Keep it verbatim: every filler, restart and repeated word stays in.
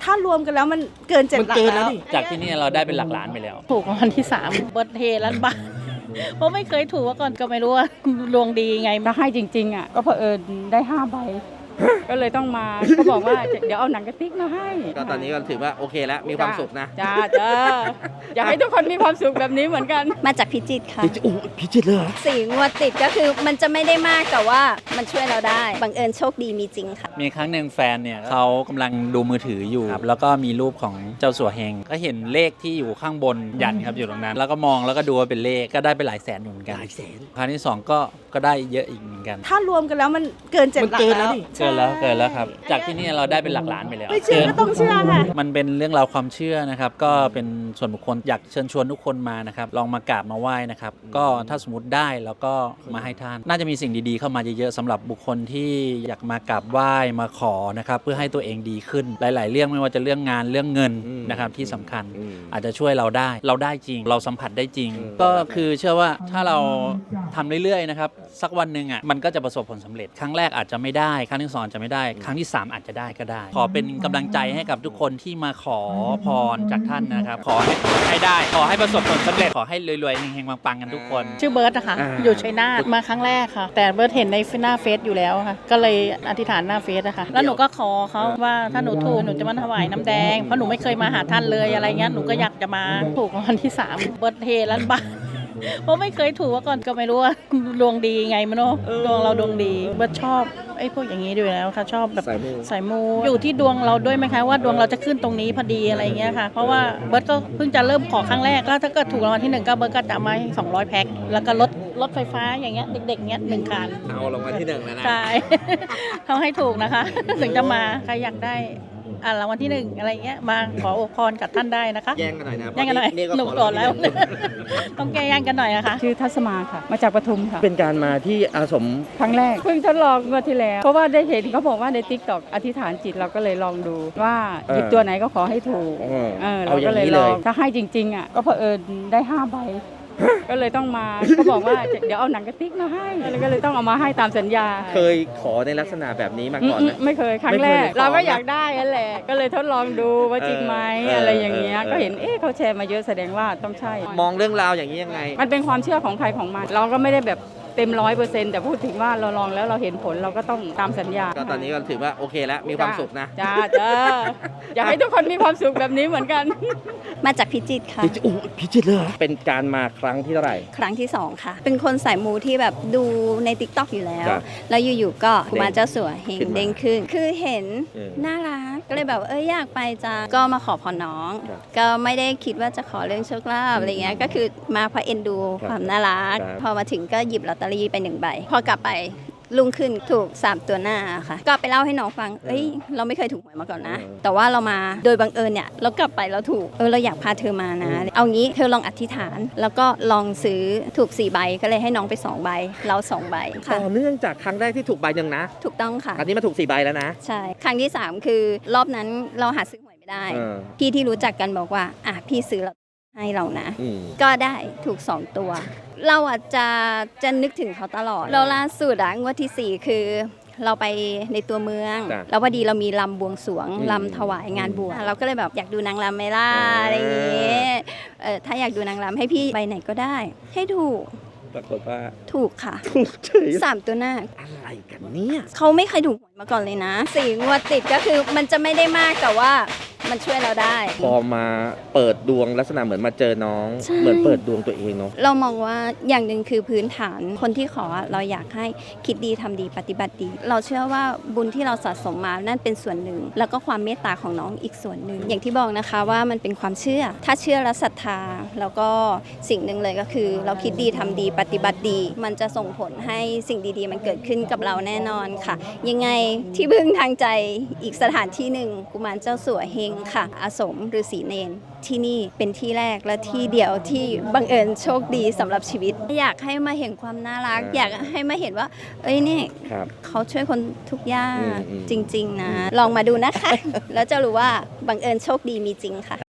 ถ้ารวมกันแล้วมันเกินเจ็ดหลักแล้วจากที่นี่เราได้เป็นหลักล้านไปแล้วถูกรางวัลที่สามเบิร์ดเทล้านบาทเพราะไม่เคยถูกมาก่อนก็ไม่รู้ว่าดวงดีไงถ้าให้จริงๆอ่ะก็เผอิญได้ห้าใบก็เลยต้องมาก็บอกว่าเดี๋ยวเอาหนังกระติกมาให้ก็ตอนนี้ก็ถือว่าโอเคแล้วมีความสุขนะจ้าจ้าอยากให้ทุกคนมีความสุขแบบนี้เหมือนกันมาจากพิจิตรค่ะโอ้พิจิตรเลยสี่งวดติดก็คือมันจะไม่ได้มากแต่ว่ามันช่วยเราได้บังเอิญโชคดีมีจริงค่ะมีครั้งหนึ่งแฟนเนี่ยเขากำลังดูมือถืออยู่แล้วก็มีรูปของเจ้าสัวเฮงก็เห็นเลขที่อยู่ข้างบนยันครับอยู่ตรงนั้นแล้วก็มองแล้วก็ดูว่าเป็นเลขก็ได้ไปหลายแสนเหมือนกันหลายแสนครั้งที่สองก็ก็ได้เยอะอีกเหมือนกันถ้ารวมกันแล้วมันเกินเจ็ดหลักแล้วเกินแล้วเกินแล้วครับจากที่นี่เราได้เป็นหลักล้านไปแล้วไม่เชื่อก็ต้องเชื่อค่ะมันเป็นเรื่องราวความเชื่อนะครับก็เป็นส่วนบุคคลอยากเชิญชวนทุกคนมานะครับลองมากราบมาไหว้นะครับก็ถ้าสมมติได้แล้วก็มาให้ท่านน่าจะมีสิ่งดีๆเข้ามาเยอะๆสำหรับบุคคลที่อยากมากราบไหว้มาขอนะครับเพื่อให้ตัวเองดีขึ้นหลายๆเรื่องไม่ว่าจะเรื่องงานเรื่องเงินนะครับที่สำคัญอาจจะช่วยเราได้เราได้จริงเราสัมผัสได้จริงก็คือเชื่อว่าถ้าเราทำเรื่อยๆนะครับสักวันหนึ่งอ่ะมันก็จะประสบผลสำเร็จครั้งแรกอาจจะไม่ได้ครั้งที่สองจะไม่ได้ครั้งที่สามอาจจะได้ก็ได้ขอเป็นกำลังใจให้กับทุกคนที่มาขอพรจากท่านนะครับขอให้ให้ได้ขอให้ประสบผลสำเร็จขอให้รวยๆเฮงๆปังๆกันทุกคนชื่อเบิร์ดนะคะอยู่ชัยนาทมาครั้งแรกค่ะแต่เบิร์ดเห็นในหน้าเฟซอยู่แล้วค่ะก็เลยอธิษฐานหน้าเฟซนะคะแล้วหนูก็ขอเขาว่าถ้าหนูถูกหนูจะมาถวายน้ำแดงเพราะหนูไม่เคยมาหาท่านเลยอะไรเงี้ยหนูก็อยากจะมาถูกรางวัลที่สามเบิร์ดเทล้านบาทเพราะไม่เคยถูกมาก่อนก็ไม่รู้ว่าดวงดีไงมันเนาะดวงเราดวงดีเบิร์ดชอบไอ้พวกอย่างนี้ด้วยแล้วค่ะชอบแบบสายมูอยู่ที่ดวงเราด้วยไหมคะว่าดวงเราจะขึ้นตรงนี้พอดีอะไรเงี้ยค่ะเพราะว่าเบิร์ดก็เพิ่งจะเริ่มขอครั้งแรกแล้วถ้าเกิดถูกรางวัลที่หนึ่งก็เบิร์ดก็จะมาสองร้อยแพ็คแล้วก็รถรถไฟฟ้าอย่างเงี้ยเด็กๆเงี้ยหนึ่งคันเอารางวัลที่หนึ่งแล้วนะใช่เขาให้ถูกนะคะถึงจะมาใครอยากได้อ่ารางวัลที่หนึ่งอะไรเงี้ยมาขออวยพรกับท่านได้นะคะแย่งกันหน่อยนะแย่งกันหน่อยหนุกก่อนแล้วต้องแก้แย่งกันหน่อยนะคะชื่อทัศมาค่ะมาจากปทุมค่ะเป็นการมาที่อาสมครั้งแรกเพิ่งทดลองเมื่อที่แล้วเพราะว่าได้เห็นเขาบอกว่าใน ติ๊กต็อก อธิษฐานจิตเราก็เลยลองดูว่าหยิบตัวไหนก็ขอให้ถูกเออเราก็เลยลองถ้าให้จริงๆอ่ะก็เผอิญได้ห้าใบก็เลยต้องมาก็บอกว่าเดี๋ยวเอาหนังกระติกมาให้ก็เลยต้องเอามาให้ตามสัญญาเคยขอในลักษณะแบบนี้มาก่อนไหมไม่เคยครั้งแรกเราก็อยากได้นั่นแหละก็เลยทดลองดูว่าจริงไหมอะไรอย่างเงี้ยก็เห็นเอ๊ะเขาแชร์มาเยอะแสดงว่าต้องใช่มองเรื่องราวอย่างนี้ยังไงมันเป็นความเชื่อของใครของมันเราก็ไม่ได้แบบเต็มร้อยเปอร์เซ็นต์แต่พูดถึงว่าเราลองแล้วเราเห็นผลเราก็ต้องตามสัญญาก็ตอนนี้ก็ถือว่าโอเคแล้วมีความสุขนะจ้าจ้าอยากให้ทุกคนมีความสุขแบบนี้เหมือนกันมาจากพิจิตรค่ะโอ้พิจิตรเลยเป็นการมาครั้งที่เท่าไหร่ครั้งที่สองค่ะเป็นคนสายมูที่แบบดูใน ติ๊กต็อก อยู่แล้วแล้วอยู่ๆก็มาเจ้าสัวเฮงเด้งขึ้นคือเห็นน่ารักก็เลยแบบเอ้ยอยากไปจ้าก็มาขอพรน้องก็ไม่ได้คิดว่าจะขอเรื่องโชคลาภอะไรเงี้ยก็คือมาเพราะเอ็นดูความน่ารักพอมาถึงก็หยิบลอตเตอรี่ไปหนึ่งใบพอกลับไปลุงขึ้นถูกสามตัวหน้าค่ะก็ไปเล่าให้น้องฟังเอ้ยเราไม่เคยถูกหวยมาก่อนนะแต่ว่าเรามาโดยบังเอิญเนี่ยเรากลับไปเราถูกเออเราอยากพาเธอมานะเอางี้เธอลองอธิษฐานแล้วก็ลองซื้อถูกสี่ใบก็เลยให้น้องไปสองใบเราสองใบค่ะต่อเนื่องจากครั้งแรกที่ถูกใบหนึ่งนะถูกต้องค่ะอันนี้มาถูกสี่ใบแล้วนะใช่ครั้งที่สามคือรอบนั้นเราหาซื้อหวยไม่ได้พี่ที่รู้จักกันบอกว่าอ่ะพี่ซื้อแล้วให้เรานะก็ได้ถูกสองตัวเราอาจจะจะนึกถึงเขาตลอดเราล่าสุดอะงวดที่สี่คือเราไปในตัวเมืองแล้วพอดีเรามีลำบวงสรวงลำถวายงานบวชเราก็เลยแบบอยากดูนางรำไหมล่ะอะไรอย่างเงี้ยเออถ้าอยากดูนางรำให้พี่ใบไหนก็ได้ให้ถูกปรากฏว่าถูกค่ะถูกเฉยสามตัวหน้าอะไรกันเนี่ยเขาไม่เคยถูกมาก่อนเลยนะสี่งวดติดก็คือมันจะไม่ได้มากแต่ว่ามันช่วยเราได้พอมาเปิดดวงลักษณะเหมือนมาเจอน้องเหมือนเปิดดวงตัวเองเนาะเรามองว่าอย่างหนึ่งคือพื้นฐานคนที่ขอเราอยากให้คิดดีทำดีปฏิบัติดีเราเชื่อว่าบุญที่เราสะสมมานั่นเป็นส่วนหนึ่งแล้วก็ความเมตตาของน้องอีกส่วนหนึ่งอย่างที่บอกนะคะว่ามันเป็นความเชื่อถ้าเชื่อและศรัทธาแล้วก็สิ่งหนึ่งเลยก็คือเราคิดดีทำดีปฏิบัติดีมันจะส่งผลให้สิ่งดีๆมันเกิดขึ้นกับเราแน่นอนค่ะยังไงที่พึ่งทางใจอีกสถานที่หนึ่งกุมารเจ้าสัวเฮงค่ะอาสมฤาษีเนรที่นี่เป็นที่แรกและที่เดียวที่บังเอิญโชคดีสำหรับชีวิตอยากให้มาเห็นความน่ารักอยากให้มาเห็นว่าเอ้ยนี่เขาช่วยคนทุกอย่างจริงๆนะลองมาดูนะคะแล้วจะรู้ว่าบังเอิญโชคดีมีจริงค่ะ